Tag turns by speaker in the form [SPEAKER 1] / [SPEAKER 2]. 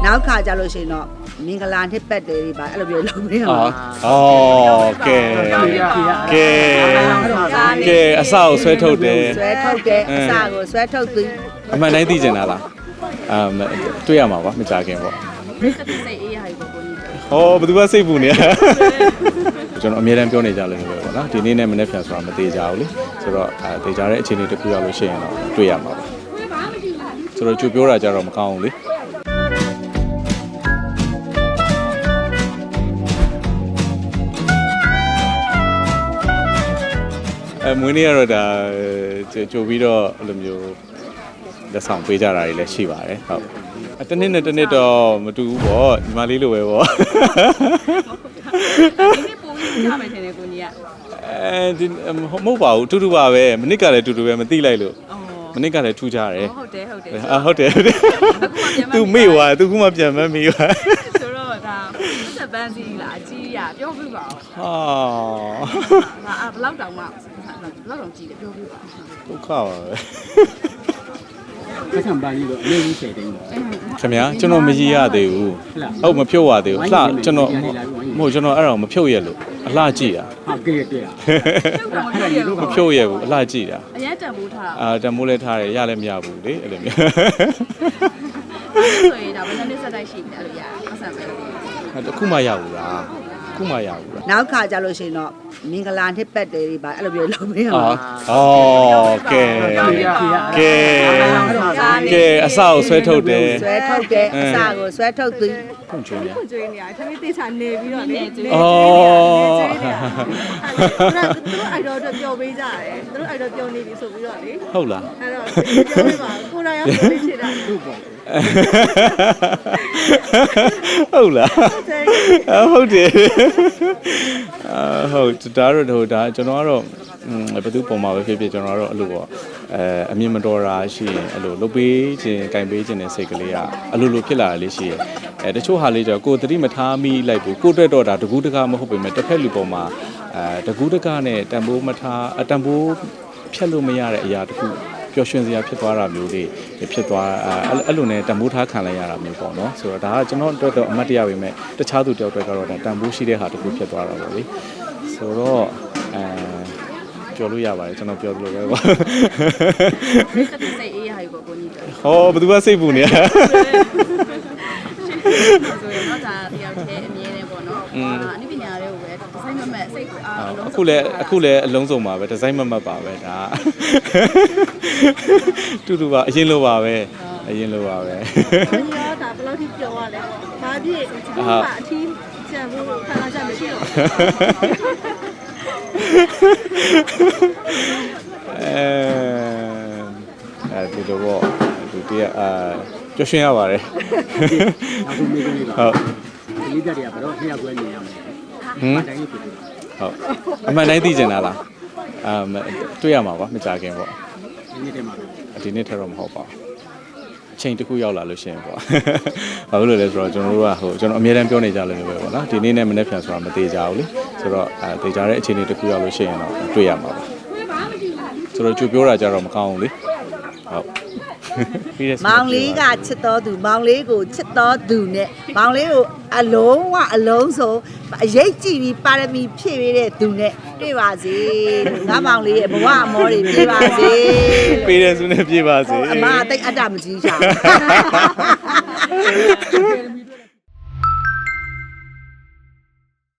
[SPEAKER 1] နောက်ခါကြလို့ရှိရင်တော့မင်္ဂလာနှစ်ပတ်တယ်ဒီပါအဲ့လိုပြောလုပ်ပေးအောင်
[SPEAKER 2] ကဲအစကိုဆွဲထုတ်တယ်
[SPEAKER 1] ဆွဲထုတ်တယ်အစကိုဆွဲထုတ်သူ
[SPEAKER 2] အမှန်တိုင်းသိကျင်တာလားတွေ့ရမှာပါမကြခင်ပေါ့
[SPEAKER 3] စိတ်အေးရပြီပေါ့ကိုကြီး
[SPEAKER 2] ဟောဘယ်သူကစိတ်ပူနေကျွန်တော်အမြဲတမ်းပြောနေကြလို့ပဲပေါ့နော်ဒီနေ့နဲ့မနေ့ပြန်ဆိုတာမသေးကြဘူးလေဆိုတော့သေချာတဲ့အခြေအနေတစ်ခုရောက်လို့ရှိရင်တော့တွေ့ရမှာပါဆိုတော့ကြိုပြောတာကြတော့မကောင်းဘူးလေမွေးနေ့ကတော့ဒါကြိုပြီးတော့အဲ့လိုမျိုးလက်ဆောင်ပေးကြတာတွေလည်းရှိပါတယ်ဟုတ်တနေ့နဲ့တနေ့တော့မတူဘူးပေါ့ညီမလေးလိုပဲပေါ့
[SPEAKER 3] ဒီနေ့ပို့ပြီးကြမယ်ထင်တယ်ကိုကြီးက
[SPEAKER 2] ဒီမဟုတ်ပါဘူးတူတူပါပဲမနစ်ကလည်းတူတူပဲမသိလိုက်လို့မနစ်ကလည်းထူးကြတယ်
[SPEAKER 3] ဟုတ်တယ်
[SPEAKER 2] ဟုတ်တယ်သူမေ့သွားသူကမှပြန်မမေ့သွား
[SPEAKER 3] ဆိုတော့ဒါဆက်ပန်းစီလားအကြီးရပြောပြပါဦး
[SPEAKER 2] ဟာ
[SPEAKER 3] ဘယ်လောက်တောင်မှဘယ်လောက်တောင်ကြီးတယ်ပြောပြပါ
[SPEAKER 2] ဒုက္ခပါပဲ
[SPEAKER 4] ဆက်ဆံပါလိတော့အလေးကြီးချိန်တိုင်းတော့
[SPEAKER 2] ခင်ဗျာကျွန်တော်မရည်ရသေးဘူးဟုတ်မဖြုတ်ရသေးဘူးအလှကျွန်တော်မဟုတ်ကျွန်တော်အဲ့ဒါမဖြုတ်ရလို့အလှကြည့်တာ
[SPEAKER 4] ဟာကဲကဲ
[SPEAKER 2] မဖြုတ်ရဘူးအလှကြည့်တာ
[SPEAKER 3] အရင်တန်ဖိုးထားတာ
[SPEAKER 2] တမိုးလဲထားတယ်ရလည်းမရဘူးလေအဲ့လိုမျိုး
[SPEAKER 3] ဆိုရင်ဒါဘယ်နှစ်ဆက်တိုက်ရှိပြီအဲ့လိုရအဆန်ပဲ
[SPEAKER 2] တခုမှရဘူးလားခုမှရဘူးလား
[SPEAKER 1] နောက်ခါကြလို့ရှိရင်တော့မင်္ဂလာနှစ်ပတ်တယ်ဒီပါအဲ့လိုပြောလုပ်ပေးအောင်
[SPEAKER 2] ကဲအစကိုဆွဲထုတ်တယ်
[SPEAKER 1] ဆွဲထုတ်တယ်အစကိုဆွဲထုတ်သူ
[SPEAKER 2] ဖွင့်ချွေးရ
[SPEAKER 3] ကျွေးနေရတယ်ခဏတေချာနေပြီးတော့နေကျွေး
[SPEAKER 2] အော်
[SPEAKER 3] သူတို့အိုက်တော့ပျော်ပေးကြတယ်သူတို့အိုက်တော့ပျော်နေပြီဆိုပြီးတော့လေ
[SPEAKER 2] ဟုတ်လား
[SPEAKER 3] အဲ့တော့ပြောပြပါကိုနာရောက်ပြီးချစ်တာ
[SPEAKER 4] ဟုတ်ပေါ့
[SPEAKER 2] ဟုတ်လားဟုတ်တယ်ဟုတ်ဒါတော့ဒါကျွန်တော်ကတော့ဘယ်သူပုံမှာပဲဖြစ်ဖြစ်ကျွန်တော်ကတော့အဲ့လိုပေါ့အမြင်မတော်တာရှိရင်အဲ့လိုလုပ်ပေးခြင်းကင်ပေးခြင်းတဲ့စိတ်ကလေးကအလိုလိုဖြစ်လာလေးရှိရဲ့တချို့ဟာလေးကျတော့ကိုယ်သတိမထားမိလိုက်ဘူးကိုယ်တွေ့တော့တာတကူးတကားမဟုတ်ပေမဲ့တစ်ဖက်လူပုံမှာတကူးတကားနဲ့တန်ဖိုးမထားတန်ဖိုးဖြတ်လို့မရတဲ့အရာတခုပျော်ရွှင်စရာဖြစ်သွားတာမျိုးတွေဖြစ်သွားအဲ့လိုနဲ့တန်ဖိုးထားခံလိုက်ရတာမျိုးပေါ့နော်ဆိုတော့ဒါကကျွန်တော်အတွက်တော့အမှတ်တရပဲမဲ့တခြားသူတယောက်အတွက်ကတော့ဒါတန်ဖိုးရှိတဲ့ဟာတခုဖြစ်သွားတာပေါ့လေဆိုတော့ပြောလို့ရပါတယ်ကျွန်တော်ပြောသလိုပဲပေါ့
[SPEAKER 3] စိတ်အေးရပြီပေါ့ကိုကြီး
[SPEAKER 2] ဟောဘယ်သူကစိတ်ပူနေရ
[SPEAKER 3] ဆိုရင်တော့ဒါတယောက်တည်းအမြင်နဲ့ပေါ့နော်အနည်းပညာတွေကိုပဲဒီဇိုင်းမမတ်စိတ်ကိုအားလုံး
[SPEAKER 2] အခုလည်းအလုံးစုံပါပဲဒီဇိုင်းမမတ်ပါပဲဒါတူတူပါအရင်လိုပါပဲအရင်လိုပါပဲ
[SPEAKER 3] ဒီရောဒါဘယ်လောက်ထိပြောရလဲပေါ့ဘာဖြစ်ဒီကအထီးကျန်ဖို့ခဏကြာမရှိတော့
[SPEAKER 2] ဒီလိုပေါ့ဒီတည်းပျော်ရွှင်ရပါတယ်
[SPEAKER 4] နောက်ဆုံးမိကနေတော့
[SPEAKER 2] ဟုတ်
[SPEAKER 4] ဒီတက်တွေကဘယ်တော့နှစ်ယောက်ပဲမြင်ရမယ်တိုင်းဖြစ်တယ်
[SPEAKER 2] ဟုတ်အမှန်တိုင်းသိကျင်တာလားတွေ့ရမှာပါမကြခင်ပေါ့
[SPEAKER 4] ဒီနေ့တည်းမှာ
[SPEAKER 2] ဒီနေ့ထက်တော့မဟုတ်ပါဘူးအချိန်တစ်ခုရောက်လာလို့ရှိရင်ပေါ့ဘာလို့လဲဆိုတော့ကျွန်တော်တို့ကကျွန်တော်အမြဲတမ်းပြောနေကြလို့ပဲပေါ့နော်ဒီနေ့နဲ့မနေ့ပြန်ဆိုတာမသေးကြဘူးလေဆိုတော့သေချာတဲ့အခြေအနေတစ်ခုရောက်လို့ရှိရင်တော့တွေ့ရမှာပါဆိုတော့ကြိုပြောတာကြတော့မကောင်းဘူးလေဟုတ်
[SPEAKER 1] မောင်လေးကချစ်တော်သူမောင်လေးကိုချစ်တော်သူနဲ့မောင်လေးကိုအလုံးစုံအရေးကြည့်ပြီးပါရမီဖြည့်ပေးတဲ့သူနဲ့တွေ့ပါစေငါမောင်လေးရဲ့ဘဝအမောတွေပြေပါစေ
[SPEAKER 2] ပေးတယ်ဆိုနဲ့ပြေပါစေ
[SPEAKER 1] အမအသိအတ္တမကြီးရှာ